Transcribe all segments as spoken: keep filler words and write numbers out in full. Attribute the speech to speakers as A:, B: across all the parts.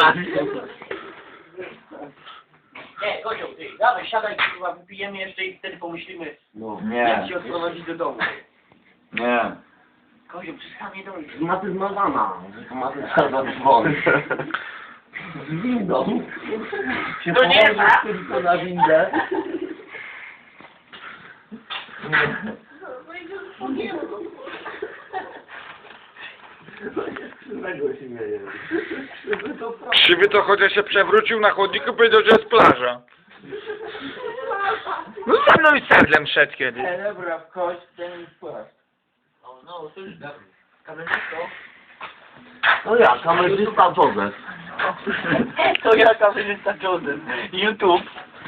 A: Nie, Kozioł, ty, dawaj, siadaj, kurwa, wypijemy jeszcze i wtedy pomyślimy,
B: No.
A: jak
C: Nie,
A: cię odprowadzić do domu.
C: nie.
A: Kozioł, przecież tam nie dojdzie.
B: Maty zmarzana. Maty trzeba dzwonić. Z windą. Się
A: To nie
B: położysz
A: ma.
B: tylko na windę. Czego się mieje?
C: Krzywy to chociaż się przewrócił na chodniku, powiedział, że jest plaża. No za mną i sedlem szedł kiedyś.
B: Dobra, w kość, ten płaszcz.
A: O, no, to już kamerzysto.
B: No ja, kamerzysta Joseph.
A: To ja, kamerzysta Joseph. YouTube.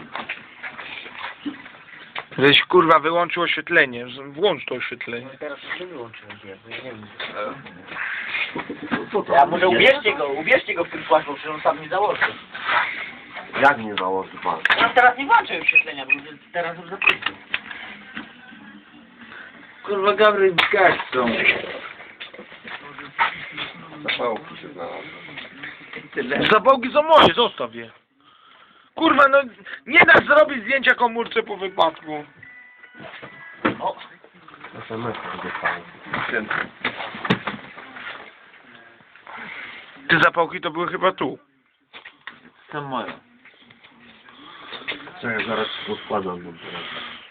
C: Żeś kurwa wyłączył oświetlenie, włącz to oświetlenie.
A: Teraz już nie wyłączyłem, nie wiem.
B: Co to
A: Ja może
B: jest?
A: ubierzcie go, ubierzcie go w tym płaszczu, przecież on sam nie założy.
B: Jak nie założy pan?
A: Ja teraz nie włączę oświetlenia, bo teraz już zapytam.
C: Kurwa Gabry gaścą.
B: Zapałki się znalazły.
C: Zapałki są moje, zostaw je. Kurwa, no nie dasz zrobić zdjęcia komórce po wypadku.
A: O,
B: es em es dostałem.
C: Te zapałki to były chyba tu.
A: to moje.
B: Czekaj, zaraz się poskładam. bo teraz-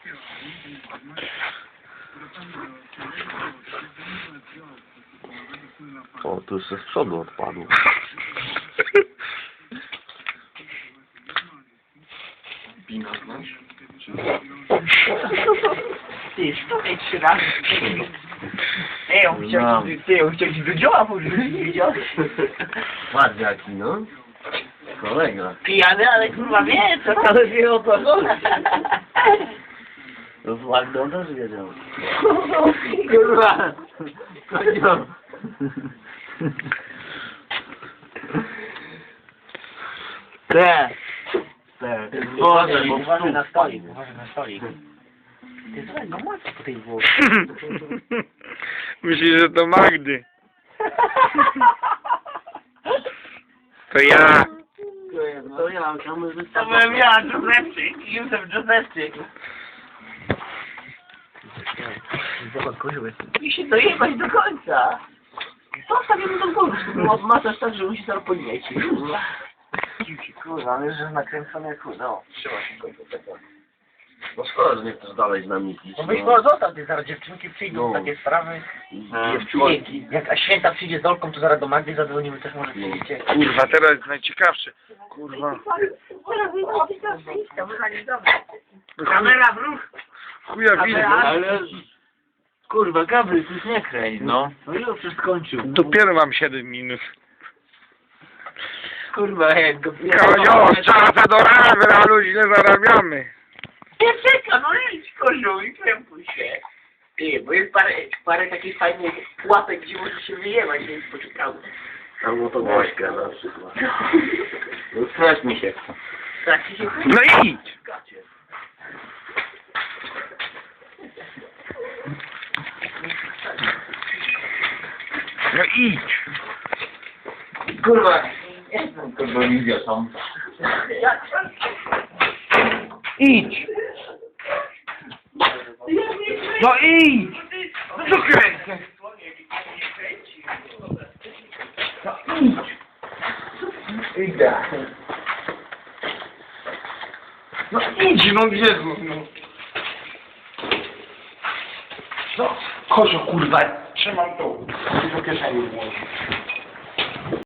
B: O, tu jeszcze z przodu odpadło. Pina znasz?
A: Ty, sztukaj trzy razy. Ej, on chciał
B: Znam.
A: ci, ty, on chciał ci do dzioła porzucić, widziałeś?
B: Patrz jaki, no. Kolega.
A: Pijany, ale kurwa wie, co tam.
B: Ale wie o co chodzi. No z Magdą też wiedział. Kurwa! Kozioł!
A: Te.
B: Te.
A: Boże,
B: bo
A: uważaj na
B: wstąp
A: stolik,
B: padnie.
A: uważaj na stolik. Ty słuchaj, no masz po tej włosie.
C: Myślisz, że to Magdy. To ja.
B: To ja, kamerzysta.
A: To byłem ja, Józefczyk, Józef Józefczyk. Zobacz, kozioł jest. I się dojebać do końca. To stawiamy do końca, bo masaż tak, że musi zaraz podnieci.
B: Kurwa, ale że nakręcone jak chuj, no.
A: Trzyma się kozioł, tak.
B: No szkoda, że nie chcesz dalej z nami pić.
A: No byś może został, ty zaraz dziewczynki przyjdą,
B: No.
A: takie sprawy.
B: Dziewczynki.
A: Jak a święta przyjdzie z Olką, to zaraz do Magdy zadzwonimy, też może przyjdziecie.
C: Kurwa, teraz jest najciekawsze. Kurwa.
A: Kamera w ruch!
C: Chuja widzę.
B: Ale... Kurwa, Gabry, już nie kręć, no.
A: No już już skończył.
C: Dopiero mam siedem minut.
A: Kurwa, jak go...
C: Kozioł, czasa do ramy, ale źle zarabiamy.
A: Nie czeka, no idź kozioł i krępuj się. Ty, bo jest parę, parę takich fajnych łapek, gdzie może się wyjebać, więc poczekamy.
B: Albo to Gośka na przykład. No strać mi się chce.
A: Tak ci się
C: No idź. No idź.
A: Kurwa.
B: Kurwa, wizja tam.
C: Idź. No idź. Co kręcę? No idź.
B: Idę.
C: No idź, no Jezu, no. No, Kozio, kurwa, trzymam tu. Do kieszeni włożyć.